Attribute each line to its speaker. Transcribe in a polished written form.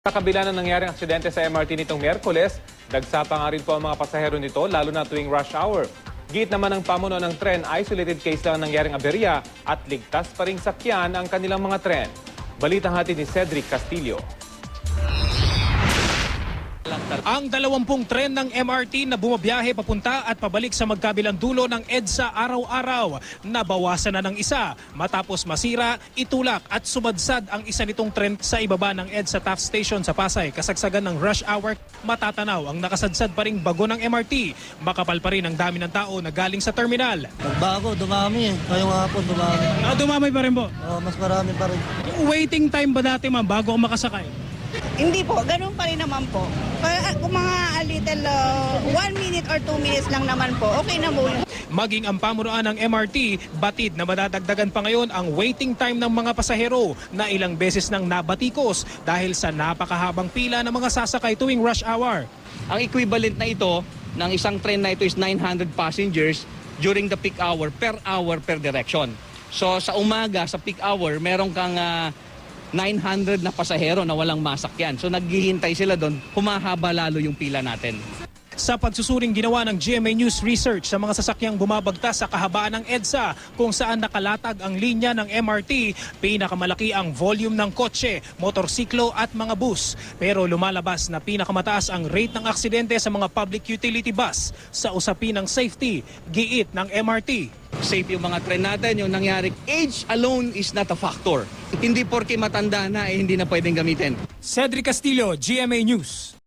Speaker 1: Sa kabila ng nangyaring aksidente sa MRT nitong Miyerkules, dagsa pa nga rin po ang mga pasahero nito lalo na tuwing rush hour. Giit naman ng pamuno ng tren, isolated case lang ang nangyaring aberya at ligtas pa ring sakyan ang kanilang mga tren. Balitang hatid ni Cedric Castillo.
Speaker 2: Ang 20 tren ng MRT na bumabiyahe papunta at pabalik sa magkabilang dulo ng EDSA araw-araw, nabawasan na ng isa matapos masira, itulak at sumadsad ang isa nitong tren sa ibaba ng EDSA Taft Station sa Pasay. Kasagsagan ng rush hour, matatanaw ang nakasadsad pa ring bago ng MRT. Makapal pa rin ang dami ng tao na galing sa terminal.
Speaker 3: Nagbago, dumami eh. Ngayong hapon, dumami.
Speaker 2: Dumamay pa rin po.
Speaker 3: Mas marami pa rin.
Speaker 2: Waiting time ba dati ma'am bago ako makasakay?
Speaker 4: Hindi po, ganun pa rin naman po. Kung mga a little 1 minute or 2 minutes lang naman po, okay na po.
Speaker 2: Maging ang pamunuan ng MRT, batid na madadagdagan pa ngayon ang waiting time ng mga pasahero na ilang beses nang nabatikos dahil sa napakahabang pila ng mga sasakay tuwing rush hour.
Speaker 5: Ang equivalent na ito ng isang train na ito is 900 passengers during the peak hour per direction. So sa umaga, sa peak hour, meron kang 900 na pasahero na walang masakyan. So naghihintay sila doon, humahaba lalo yung pila natin.
Speaker 2: Sa pagsusuring ginawa ng GMA News Research sa mga sasakyang bumabagtas sa kahabaan ng EDSA kung saan nakalatag ang linya ng MRT, pinakamalaki ang volume ng kotse, motorsiklo at mga bus. Pero lumalabas na pinakamataas ang rate ng aksidente sa mga public utility bus sa usapin ng safety, giit ng MRT.
Speaker 5: Safe yung mga tren natin, yung nangyari. Age alone is not a factor. Hindi porke matanda na, hindi na pwedeng gamitin.
Speaker 2: Cedric Castillo, GMA News.